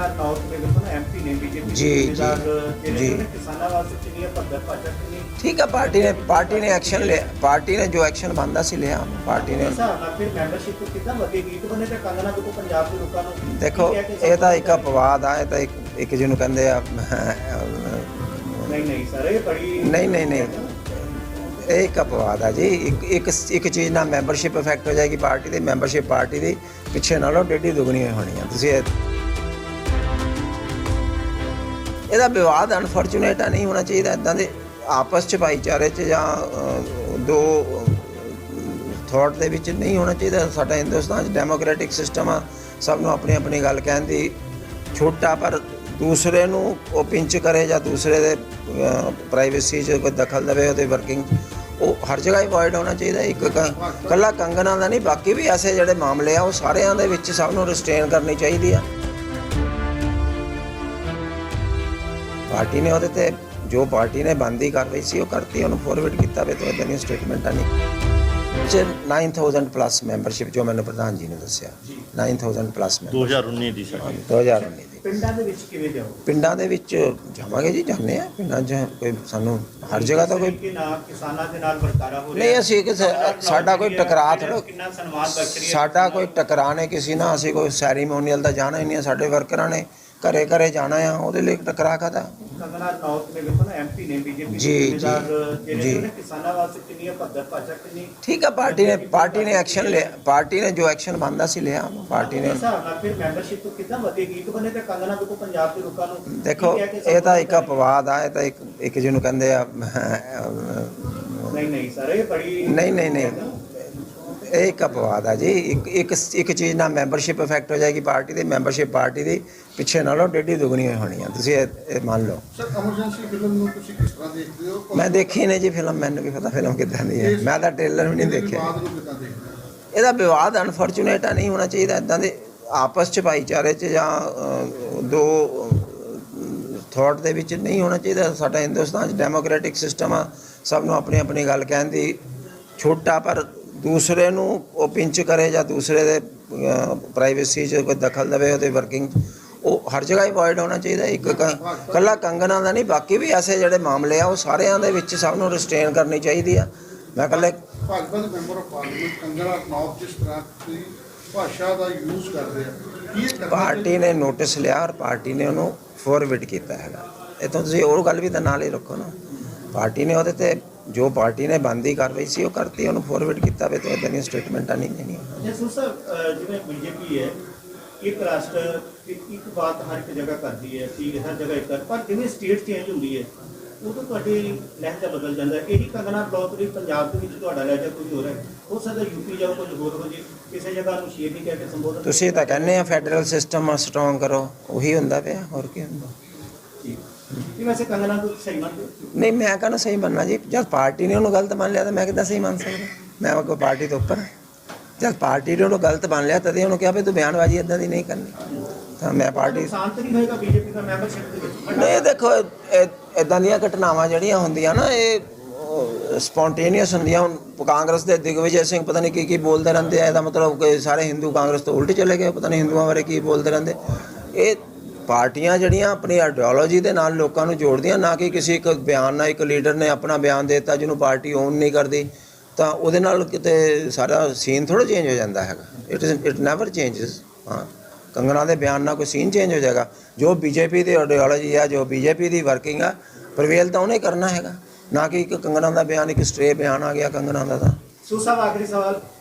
North में देखो ना एमपी ने बीजेपी जी, जी। किसाना वास्ते कितनी है पद्धत भाजपा कितनी ठीक है, पार्टी ने एक्शन लिया, पार्टी ने जो एक्शन बनता सी लिया पार्टी ने। फिर मैंबरशिप कितना ਵਧੇਗੀ तो बने ते कंगना देखो पंजाब के लोगों ਨੂੰ देखो ਇਹ ਤਾਂ ਇੱਕ ਅਪਵਾਦ ਆ, ਇਹ ਤਾਂ ਇੱਕ ਜਿਹਨੂੰ ਕਹਿੰਦੇ ਆ नहीं सर ये बड़ी नहीं ਇਹ ਇੱਕ ਅਪਵਾਦ ਆ ਜੀ। ਇੱਕ ਚੀਜ਼ ਨਾਲ ਮੈਂਬਰਸ਼ਿਪ ਇਫੈਕਟ ਹੋ ਜਾਏਗੀ ਪਾਰਟੀ ਦੀ, ਮੈਂਬਰਸ਼ਿਪ ਪਾਰਟੀ ਦੀ ਪਿੱਛੇ ਨਾਲੋਂ ਡੇਢੀ ਦੁਗਣੀ ਹੋਣੀ ਆ। ਤੁਸੀਂ ਇਹਦਾ ਵਿਵਾਦ ਅਨਫੋਰਚੂਨੇਟ ਆ, ਨਹੀਂ ਹੋਣਾ ਚਾਹੀਦਾ ਇੱਦਾਂ ਦੇ ਆਪਸ 'ਚ ਭਾਈਚਾਰੇ 'ਚ ਜਾਂ ਦੋ ਥੋਟ ਦੇ ਵਿੱਚ ਨਹੀਂ ਹੋਣਾ ਚਾਹੀਦਾ। ਸਾਡਾ ਹਿੰਦੁਸਤਾਨ 'ਚ ਡੈਮੋਕ੍ਰੈਟਿਕ ਸਿਸਟਮ ਆ, ਸਭ ਨੂੰ ਆਪਣੀ ਆਪਣੀ ਗੱਲ ਕਹਿਣ ਦੀ ਛੂਟ ਆ, ਪਰ ਦੂਸਰੇ ਨੂੰ ਉਹ ਪਿੰਚ ਕਰੇ ਜਾਂ ਦੂਸਰੇ ਦੇ ਪ੍ਰਾਈਵੇਸੀ 'ਚ ਕੋਈ ਦਖਲ ਦੇਵੇ ਉਹਦੇ ਵਰਕਿੰਗ, ਉਹ ਹਰ ਜਗ੍ਹਾ ਅਵੋਇਡ ਹੋਣਾ ਚਾਹੀਦਾ। ਇੱਕ ਇਕੱਲਾ ਕੰਗਨਾ ਦਾ ਨਹੀਂ, ਬਾਕੀ ਵੀ ਐਸੇ ਜਿਹੜੇ ਮਾਮਲੇ ਆ ਉਹ ਸਾਰਿਆਂ ਦੇ ਵਿੱਚ ਸਭ ਨੂੰ ਰਿਸਟ੍ਰੇਨ ਕਰਨੀ ਚਾਹੀਦੀ ਆ। ਪਾਰਟੀ ਨੇ ਉਹਦੇ ਤੇ ਜੋ ਪਾਰਟੀ ਨੇ ਬੰਦੀ ਕਾਰਵਾਈ ਸੀ ਉਹ ਕਰਤੀ, ਉਹਨੂੰ ਫੋਰਵਰਡ ਕੀਤਾ ਵੇ ਤਾਂ ਇਦਾਂ ਦੀਆਂ ਸਟੇਟਮੈਂਟਾਂ ਨਹੀਂ। 9000 ਪਲੱਸ ਮੈਂਬਰਸ਼ਿਪ ਜੋ ਮੈਨੂੰ ਪ੍ਰਧਾਨ ਜੀ ਨੇ ਦੱਸਿਆ, 9000 ਪਲੱਸ 2019 ਦੀ ਸਾਡੀ 2019 ਦੀ। ਪਿੰਡਾਂ ਦੇ ਵਿੱਚ ਕਿਵੇਂ ਜਾਓ? ਪਿੰਡਾਂ ਦੇ ਵਿੱਚ ਜਾਵਾਂਗੇ ਜੀ, ਜਾਂਦੇ ਆ ਪਿੰਡਾਂ 'ਚ, ਕੋਈ ਸਾਨੂੰ ਹਰ ਜਗ੍ਹਾ ਤਾਂ ਕੋਈ ਕਿ ਨਾ ਕਿਸਾਨਾਂ ਦੇ ਨਾਲ ਵਰਤਾਰਾ ਹੋ ਰਿਹਾ ਨਹੀਂ, ਅਸੀਂ ਸਾਡਾ ਕੋਈ ਟਕਰਾਅ ਥੋੜ੍ਹਾ, ਕਿੰਨਾ ਸਨਮਾਨ ਬਖਸ਼ ਰਹੀ ਹੈ ਸਾਡਾ ਕੋਈ ਟਕਰਾਅ ਨਹੀਂ ਕਿਸੇ ਨਾਲ, ਅਸੀਂ ਕੋਈ ਸੈਰੀਮੋਨੀਅਲ ਦਾ ਜਾਣਾ ਹੀ ਨਹੀਂ। ਸਾਡੇ ਵਰਕਰਾਂ ਨੇ ਘਰੇ ਘਰੇ ਜਾਣਾ ਆ, ਉਹਦੇ ਲਈ ਟਕਰਾਅ ਕਾਹਦਾ। ਕੰਗਨਾ ਨੌਰਥ में देखो ना एमपी ने बीजेपी जी, जी। किसाना वास्ते कितनी है पद्धत भाजपा कितनी ठीक है, पार्टी ने एक्शन लिया, पार्टी ने जो एक्शन बनता सी लिया पार्टी ने। फिर मैंबरशिप तो कितना ਵਧੇਗੀ तो बने ते कंगना देखो पंजाब के ਲੋਕਾਂ ਨੂੰ देखो ਇਹ ਤਾਂ ਇੱਕ ਅਪਵਾਦ ਆ, ਇਹ ਤਾਂ ਇੱਕ ਜਿਹਨੂੰ ਕਹਿੰਦੇ ਆ ਨਹੀਂ ਸਰ ਇਹ ਬੜੀ ਨਹੀਂ ਇਹ ਇੱਕ ਅਪਵਾਦ ਆ ਜੀ। ਇੱਕ ਚੀਜ਼ ਨਾਲ ਮੈਂਬਰਸ਼ਿਪ ਇਫੈਕਟ ਹੋ ਜਾਏਗੀ ਪਾਰਟੀ ਦੀ, ਮੈਂਬਰਸ਼ਿਪ ਪਾਰਟੀ ਦੀ ਪਿੱਛੇ ਨਾਲੋਂ ਡੇਢੀ ਦੁਗਣੀ ਹੋਣੀ ਆ। ਤੁਸੀਂ ਇਹ ਮੰਨ ਲਓ। ਸਰ ਐਮਰਜੈਂਸੀ ਫਿਲਮ ਨੂੰ ਤੁਸੀਂ ਕਿਸ ਤਰ੍ਹਾਂ ਦੇਖਦੇ ਹੋ? ਮੈਂ ਦੇਖੀ ਨਹੀਂ ਜੀ ਫਿਲਮ, ਮੈਨੂੰ ਵੀ ਪਤਾ ਫਿਲਮ ਕਿੱਦਾਂ ਦੀ ਹੈ, ਮੈਂ ਤਾਂ ਟ੍ਰੇਲਰ ਵੀ ਨਹੀਂ ਦੇਖਿਆ। ਬਾਅਦ ਨੂੰ ਕਿੱਦਾਂ ਦੇਖਦੇ ਹੋ? ਇਹਦਾ ਵਿਵਾਦ ਅਨਫੋਰਚੂਨੇਟ ਆ, ਨਹੀਂ ਹੋਣਾ ਚਾਹੀਦਾ ਇੱਦਾਂ ਦੇ ਆਪਸ 'ਚ ਭਾਈਚਾਰੇ 'ਚ ਜਾਂ ਦੋ ਥੋਟ ਦੇ ਵਿੱਚ ਨਹੀਂ ਹੋਣਾ ਚਾਹੀਦਾ। ਸਾਡਾ ਹਿੰਦੁਸਤਾਨ 'ਚ ਡੈਮੋਕ੍ਰੈਟਿਕ ਸਿਸਟਮ ਆ, ਸਭ ਨੂੰ ਆਪਣੀ ਆਪਣੀ ਗੱਲ ਕਹਿਣ ਦੀ ਛੂਟ ਆ, ਪਰ ਦੂਸਰੇ ਨੂੰ ਉਹ ਪਿੰਚ ਕਰੇ ਜਾਂ ਦੂਸਰੇ ਦੇ ਪ੍ਰਾਈਵੇਸੀ 'ਚ ਕੋਈ ਦਖਲ ਦੇਵੇ ਉਹਦੇ ਵਰਕਿੰਗ, ਉਹ ਹਰ ਜਗ੍ਹਾ ਅਵੋਇਡ ਹੋਣਾ ਚਾਹੀਦਾ। ਇੱਕ ਇਕੱਲਾ ਕੰਗਨਾ ਦਾ ਨਹੀਂ, ਬਾਕੀ ਵੀ ਐਸੇ ਜਿਹੜੇ ਮਾਮਲੇ ਆ ਉਹ ਸਾਰਿਆਂ ਦੇ ਵਿੱਚ ਸਭ ਨੂੰ ਰਿਸਟ੍ਰੇਨ ਕਰਨੀ ਚਾਹੀਦੀ ਆ। ਮੈਂ ਇਕੱਲੇ ਭਾਜਪਾ ਦੇ member of parliament Kangana Ranaut ਜਿਸ ਤਰ੍ਹਾਂ ਦੀ ਭਾਸ਼ਾ ਦਾ ਯੂਜ਼ ਕਰਦੇ ਆ, ਕੀ ਇਹ ਕਰਨਾ ਪਾਰਟੀ ਨੇ ਨੋਟਿਸ ਲਿਆ ਔਰ ਪਾਰਟੀ ਨੇ ਉਹਨੂੰ ਫੋਰਵਰਡ ਕੀਤਾ ਹੈਗਾ। ਇਹ ਤਾਂ ਤੁਸੀਂ ਹੋਰ ਗੱਲ ਵੀ ਤਾਂ ਨਾਲ ਹੀ ਰੱਖੋ ਨਾ। ਪਾਰਟੀ ਨੇ ਉਹਦੇ ਤੇ ਜੋ ਪਾਰਟੀ ਨੇ ਬੰਦੀ ਕਾਰਵਾਈ ਸੀ ਉਹ ਕਰਤੀ, ਉਹਨੂੰ ਫੋਰਵਰਡ ਕੀਤਾ ਵੇ ਤਾਂ ਇਦਾਂ ਦੀਆਂ ਸਟੇਟਮੈਂਟਾਂ ਨਹੀਂ ਦੇਣੀਆਂ। ਜਸੂ ਸਰ ਜਿਵੇਂ ਬੀਜੇਪੀ ਹੈ ਇੱਕ ਰਾਸ਼ਟਰ ਇੱਕ ਬਾਤ ਹਰ ਇੱਕ ਜਗ੍ਹਾ ਕਰਦੀ ਹੈ ਕਿ ਹਰ ਜਗ੍ਹਾ ਇੱਕ, ਪਰ ਜਿਵੇਂ ਸਟੇਟ ਚੇਂਜ ਹੁੰਦੀ ਹੈ ਉਦੋਂ ਤੁਹਾਡੀ ਲਹਿਜਾ ਬਦਲ ਜਾਂਦਾ। ਇਹੀ ਕੰਗਨਾ ਬਲੌਕ ਦੀ ਪੰਜਾਬ ਦੇ ਵਿੱਚ ਤੁਹਾਡਾ ਲਹਿਜਾ ਕੁਝ ਹੋਰ ਹੈ, ਹੋ ਸਕਦਾ ਯੂਪੀ ਜਾਓ ਕੁਝ ਹੋਰ ਹੋ ਜੇ, ਕਿਸੇ ਜਗ੍ਹਾ ਨੂੰ ਸ਼ੇਰ ਨਹੀਂ ਕਹਿ ਕੇ ਸੰਬੋਧਨ। ਤੁਸੀਂ ਤਾਂ ਕਹਿੰਦੇ ਆ ਫੈਡਰਲ ਸਿਸਟਮ ਸਟਰੋਂਗ ਕਰੋ, ਉਹੀ ਹੁੰਦਾ ਪਿਆ, ਹੋਰ ਕੀ ਹੁੰਦਾ। ਇਹ ਵੈਸੇ ਕੰਗਨਾ ਨੂੰ ਸਹੀ ਮੰਨਦੇ ਹੋ? ਨਹੀਂ, ਮੈਂ ਕਹਿੰਦਾ ਸਹੀ ਮੰਨਣਾ ਜੀ। ਜਦ ਪਾਰਟੀ ਨੇ ਉਹਨੂੰ ਗਲਤ ਮੰਨ ਲਿਆ ਤਾਂ ਮੈਂ ਕਿੱਦਾਂ ਸਹੀ ਮੰਨ ਸਕਦਾ? ਮੈਂ ਕੋਈ ਪਾਰਟੀ ਤੋਂ ਉੱਪਰ। ਜਦ ਪਾਰਟੀ ਨੇ ਉਹਨੂੰ ਗਲਤ ਮੰਨ ਲਿਆ ਤਦੇ ਉਹਨੂੰ ਕਿਹਾ ਵੀ ਤੂੰ ਬਿਆਨਬਾਜ਼ੀ ਇੱਦਾਂ ਦੀ ਨਹੀਂ ਕਰਨੀ, ਤਾਂ ਮੈਂ ਪਾਰਟੀ ਸ਼ਾਂਤ ਨਹੀਂ ਹੋਏਗਾ ਬੀਜੇਪੀ ਦਾ ਮੈਂਬਰਸ਼ਿਪ ਦੇ ਵਿੱਚ। ਨਹੀਂ, ਦੇਖੋ ਇੱਦਾਂ ਦੀਆਂ ਘਟਨਾਵਾਂ ਜਿਹੜੀਆਂ ਹੁੰਦੀਆਂ ਨਾ ਇਹ ਸਪੌਂਟੇਨੀਅਸ ਹੁੰਦੀਆਂ। ਹੁਣ ਕਾਂਗਰਸ ਦੇ ਦਿਗਵਿਜੇ ਸਿੰਘ ਪਤਾ ਨਹੀਂ ਕੀ ਬੋਲਦੇ ਰਹਿੰਦੇ ਆ, ਇਹਦਾ ਮਤਲਬ ਕਿ ਸਾਰੇ ਹਿੰਦੂ ਕਾਂਗਰਸ ਤੋਂ ਉਲਟ ਚਲੇ ਗਏ, ਪਤਾ ਨਹੀਂ ਹਿੰਦੂਆਂ ਬਾਰੇ ਕੀ ਬੋਲਦੇ ਰਹਿੰਦੇ। ਇਹ ਪਾਰਟੀਆਂ ਜਿਹੜੀਆਂ ਆਪਣੀ ਆਈਡੀਓਲੋਜੀ ਦੇ ਨਾਲ ਲੋਕਾਂ ਨੂੰ ਜੋੜਦੀਆਂ, ਨਾ ਕਿ ਕਿਸੇ ਇੱਕ ਬਿਆਨ ਨਾਲ ਇੱਕ ਲੀਡਰ ਨੇ ਆਪਣਾ ਬਿਆਨ ਦੇ ਦਿੱਤਾ ਜਿਹਨੂੰ ਪਾਰਟੀ ਓਨ ਨਹੀਂ ਕਰਦੀ ਤਾਂ ਉਹਦੇ ਨਾਲ ਕਿਤੇ ਸਾਰਾ ਸੀਨ ਥੋੜ੍ਹਾ ਚੇਂਜ ਹੋ ਜਾਂਦਾ ਹੈਗਾ। It never changes. ਹਾਂ, ਕੰਗਨਾ ਦੇ ਬਿਆਨ ਨਾਲ ਕੋਈ ਸੀਨ ਚੇਂਜ ਹੋ ਜਾਏਗਾ? ਜੋ ਬੀਜੇਪੀ ਦੀ ਆਈਡੀਓਲੋਜੀ ਆ, ਜੋ ਬੀਜੇਪੀ ਦੀ ਵਰਕਿੰਗ ਆ, ਪ੍ਰਵੇਲ ਤਾਂ ਉਹਨੇ ਕਰਨਾ ਹੈਗਾ, ਨਾ ਕਿ ਇੱਕ ਕੰਗਨਾ ਦਾ ਬਿਆਨ, ਇੱਕ ਸਟ੍ਰੇ ਬਿਆਨ ਆ ਗਿਆ ਕੰਗਨਾ ਦਾ। ਤਾਂ ਸੂ ਸਾਹਿਬ ਆਖਰੀ ਸਵਾਲ,